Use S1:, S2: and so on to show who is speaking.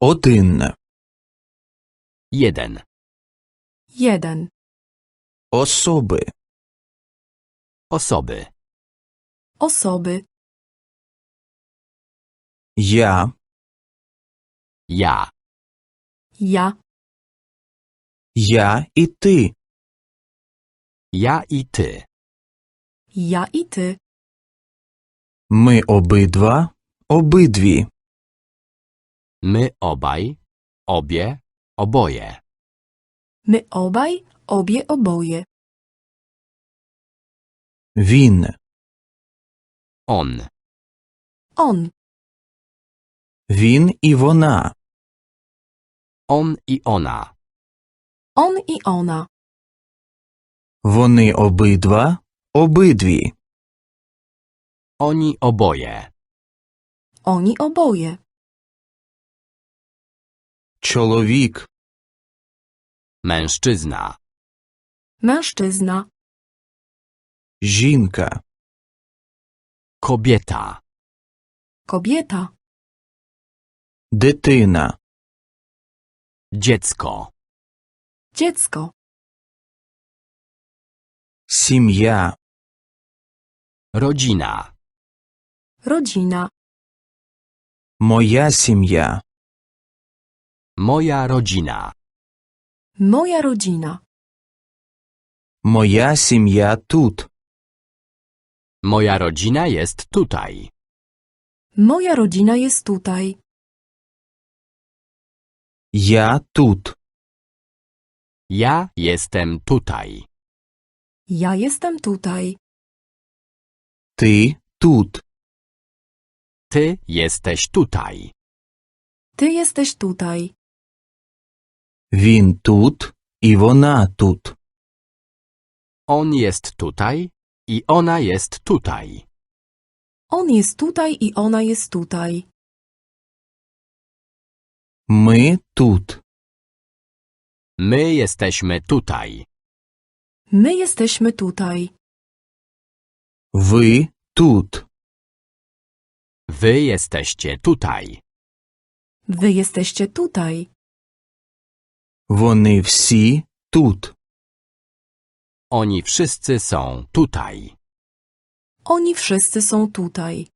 S1: Один.
S2: Jeden.
S3: Jeden.
S1: Особи.
S2: Osoby.
S3: Osoby.
S1: Я.
S2: Ja.
S3: Ja.
S1: Я і ти.
S2: Ja i ty.
S3: Ja i ty.
S1: Ми обидва. Обидві.
S2: My obaj. Obie. Oboje.
S3: My obaj, obie, oboje.
S1: Він.
S2: On.
S3: On.
S1: Він і вона.
S2: On i ona.
S3: On i ona.
S1: Вони обидва. Обидві.
S2: Oni oboje.
S3: Oni oboje.
S1: Чоловік.
S2: Mężczyzna.
S3: Mężczyzna.
S1: Жінка.
S2: Kobieta.
S3: Kobieta.
S1: Дитина.
S2: Dziecko.
S3: Dziecko.
S1: Сім'я.
S2: Rodzina.
S3: Rodzina.
S1: Моя сім'я.
S2: Moja rodzina.
S3: Moja rodzina.
S1: Моя сім'я тут.
S2: Moja rodzina jest tutaj.
S3: Moja rodzina jest tutaj.
S1: Я тут.
S2: Ja jestem tutaj.
S3: Ja jestem tutaj.
S1: Ти тут.
S2: Ty jesteś tutaj.
S3: Ty jesteś tutaj.
S1: Він тут і вона тут.
S2: On jest tutaj i ona jest tutaj.
S3: On jest tutaj i ona jest tutaj.
S1: Ми тут.
S2: My jesteśmy tutaj.
S3: My jesteśmy tutaj.
S1: Ви тут.
S2: Wy jesteście tutaj.
S3: Wy jesteście tutaj.
S1: Вони всі тут.
S2: Oni wszyscy są tutaj.
S3: Oni wszyscy są tutaj.